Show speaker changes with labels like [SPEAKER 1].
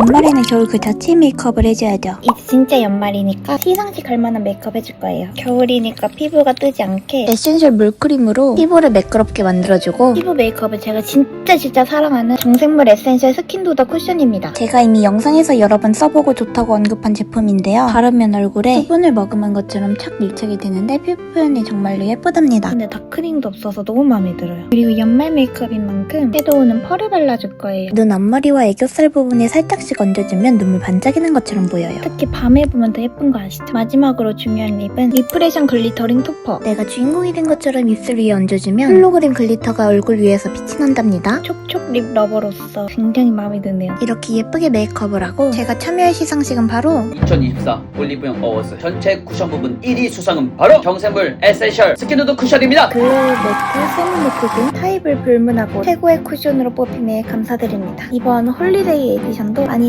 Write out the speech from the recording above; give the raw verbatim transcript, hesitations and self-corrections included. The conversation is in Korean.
[SPEAKER 1] 연말에는 겨울 그 자체 메이크업을 해줘야죠.
[SPEAKER 2] 이제 진짜 연말이니까 시상식 갈 만한 메이크업 해줄 거예요. 겨울이니까 피부가 뜨지 않게
[SPEAKER 1] 에센셜 물크림으로 피부를 매끄럽게 만들어주고,
[SPEAKER 2] 피부 메이크업은 제가 진짜 진짜 사랑하는 정생물 에센셜 스킨도더 쿠션입니다.
[SPEAKER 1] 제가 이미 영상에서 여러 번 써보고 좋다고 언급한 제품인데요. 바르면 얼굴에 수분을 머금은 것처럼 착 밀착이 되는데 피부 표현이 정말로 예쁘답니다.
[SPEAKER 2] 근데 다크닝도 없어서 너무 마음에 들어요. 그리고 연말 메이크업인 만큼 섀도우는 펄을 발라줄 거예요.
[SPEAKER 1] 눈 앞머리와 애교살 부분에 살짝씩 얹어주면 눈물 반짝이는 것처럼 보여요.
[SPEAKER 2] 특히 밤에 보면 더 예쁜 거 아시죠? 마지막으로 중요한 립은 리프레션 글리터링 토퍼.
[SPEAKER 1] 내가 주인공이 된 것처럼 입술 위에 얹어주면 홀로그램 글리터가 얼굴 위에서 빛이 난답니다.
[SPEAKER 2] 촉촉 립 러버로서 굉장히 마음에 드네요.
[SPEAKER 1] 이렇게 예쁘게 메이크업을 하고 제가 참여할 시상식은 바로
[SPEAKER 3] 이천이십사 올리브영 어워즈 전체 쿠션 부분 일 위 수상은 바로 정샘물 에센셜 스킨누드 쿠션입니다.
[SPEAKER 2] 글로우 매트 세미매트 등 타입을 불문하고 최고의 쿠션으로 뽑힘에 감사드립니다. 이번 홀리데이 에디션도 많이